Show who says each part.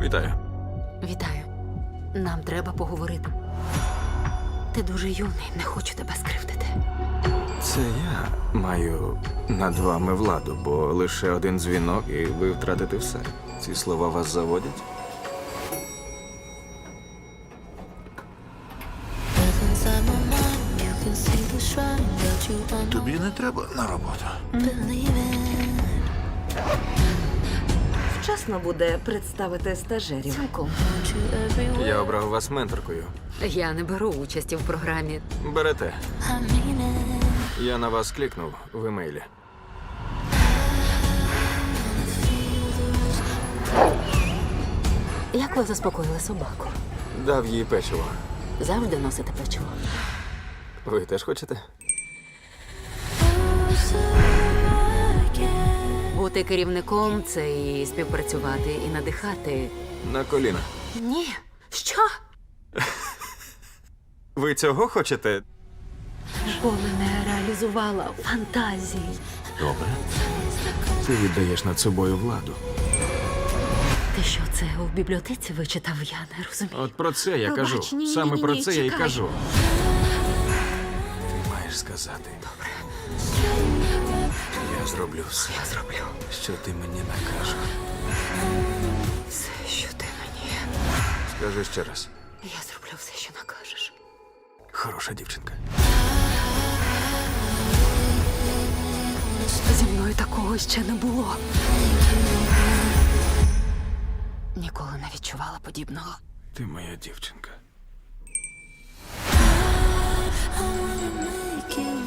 Speaker 1: Вітаю.
Speaker 2: Вітаю. Нам треба поговорити. Ти дуже юний, не хочу тебе скривдити.
Speaker 1: Це я маю над вами владу, бо лише один дзвінок, і ви втратите все. Ці слова вас заводять?
Speaker 3: Тобі не треба на роботу.
Speaker 4: Вчасно буде представити стажерів.
Speaker 2: Цілком.
Speaker 1: Я обрав вас менторкою.
Speaker 2: Я не беру участі в програмі.
Speaker 1: Берете. Я на вас клікнув в емейлі.
Speaker 2: Як ви заспокоїли собаку?
Speaker 1: Дав їй печиво.
Speaker 2: Завжди носите печиво.
Speaker 1: Ви теж хочете?
Speaker 2: Бути керівником це і співпрацювати, і надихати.
Speaker 1: На коліна.
Speaker 2: Ні. Що?
Speaker 1: Ви цього хочете?
Speaker 4: Ніколи не реалізувала фантазії.
Speaker 3: Добре.
Speaker 1: Ти віддаєш над собою владу.
Speaker 2: Ти що, це у бібліотеці вичитав? Я не розумію.
Speaker 1: От про це я
Speaker 2: Пробач,
Speaker 1: кажу.
Speaker 2: ні,
Speaker 1: Саме
Speaker 2: ні,
Speaker 1: про
Speaker 2: ні,
Speaker 1: це я й
Speaker 2: чекай.
Speaker 1: кажу. Ти маєш сказати. Добре. Я зроблю все.
Speaker 2: Я зроблю
Speaker 1: Що ти мені накажеш.
Speaker 2: все, що ти мені.
Speaker 1: Скажи ще раз.
Speaker 2: Я зроблю все, що накажеш.
Speaker 1: Хороша дівчинка.
Speaker 2: Зі мною такого ще не було. Ніколи не відчувала подібного.
Speaker 1: Ти моя дівчинка.
Speaker 5: make you